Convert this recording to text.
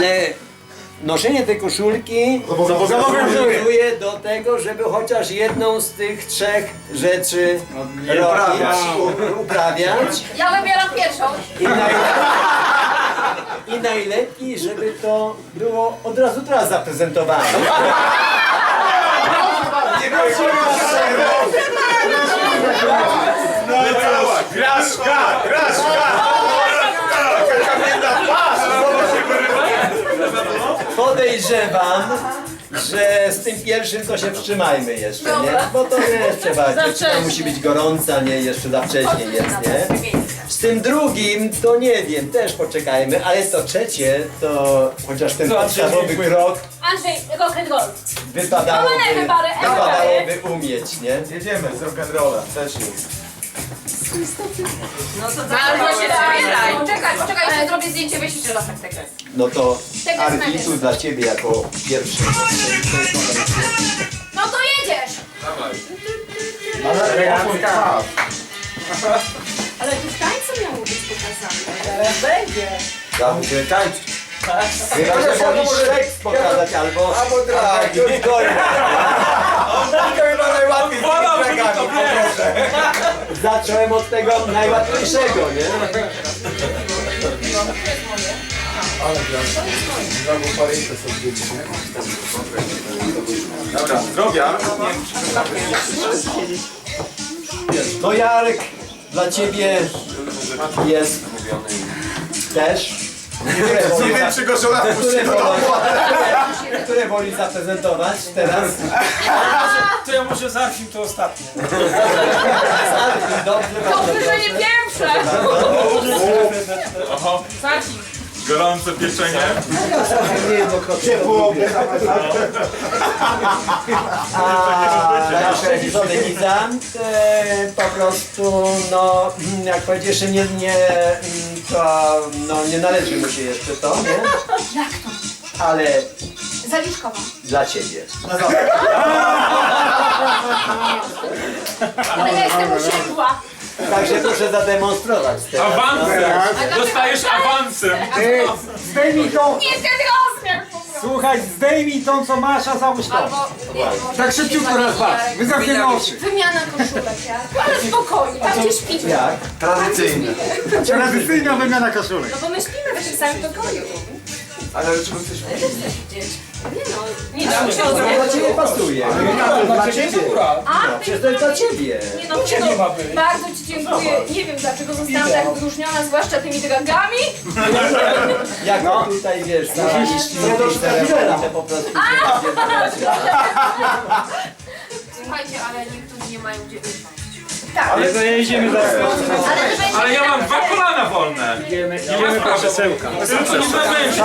Ale noszenie tej koszulki zobowiązuje do tego, żeby chociaż jedną z tych trzech rzeczy uprawiać. Ja wybieram pierwszą. I najlepiej, żeby to było od razu teraz zaprezentowane. Graszka! Podejrzewam, że z tym pierwszym to się wstrzymajmy jeszcze, nie? Bo to nie trzeba, dziewczyna musi być gorąca, nie? Jeszcze za wcześnie jest, nie? Z tym drugim to nie wiem, też poczekajmy, ale to trzecie to chociaż ten podstawowy krok Andrzej, rock and roll. wypadałoby umieć, nie? Jedziemy z rock'n'rolla, też jest. Albo się zabieraj. Poczekaj, jeszcze zrobię zdjęcie, weź jeszcze raz tak tego. No to Tego Arki, znajdziesz. tu dla ciebie jako pierwszy. No to jedziesz! Ale tu w tańcu miało być pokazane. Ja muszę tańczyć. Chyba, że wolisz seks pokazać albo dragi. Chyba najłatwiej z tymi dragami, proszę. Zacząłem od tego najłatwiejszego, nie? Dobra, zdrowia. No Jarek, dla ciebie jest też. Nie wiem, czy go żona wpuści do domu. Które woli zaprezentować teraz? To ja może zacznij to ostatnie. Dobrze, Dobrze, że nie pierwsze! Oho, Zacznij. gorące pieczenie. Ciepło. Nasz realizownik po prostu, no, jak powiedziesz, że to nie należy mu się jeszcze to, nie? Jak to? Ale Zaliczkowa. dla ciebie. Ale ja jestem usiadła. Także proszę zademonstrować teraz. Awansem! Dostajesz awansem! Zdejmij tą, Nie ten rozmiar po prostu. słuchaj, zdejmij tą co masz, a załóż to. Albo... nie, może Tak szybciutko raz patrz, my zamkniemy oczy. Wymiana koszulek, ja. Ale spokojnie, tam gdzie śpimy. Jak? Tradycyjnie. Tradycyjna wymiana koszulek. No bo my śpimy w tym samym pokoju. Ale czego chcesz Nie no, nie no, To dla ciebie pasuje. Dla ciebie? No, przecież to jest dla ciebie. nie no, nie no, bardzo ci dziękuję. Nie wiem dlaczego zostałam tak wyróżniona, zwłaszcza tymi dragami. Jak tutaj wiesz, te po prostu. Słuchajcie, ale niektórzy nie mają gdzie usiąść. Tak, Ale to jedziemy za ale to będzie... Ale ja mam dwa kolana wolne! Idziemy po krzesełka. Nie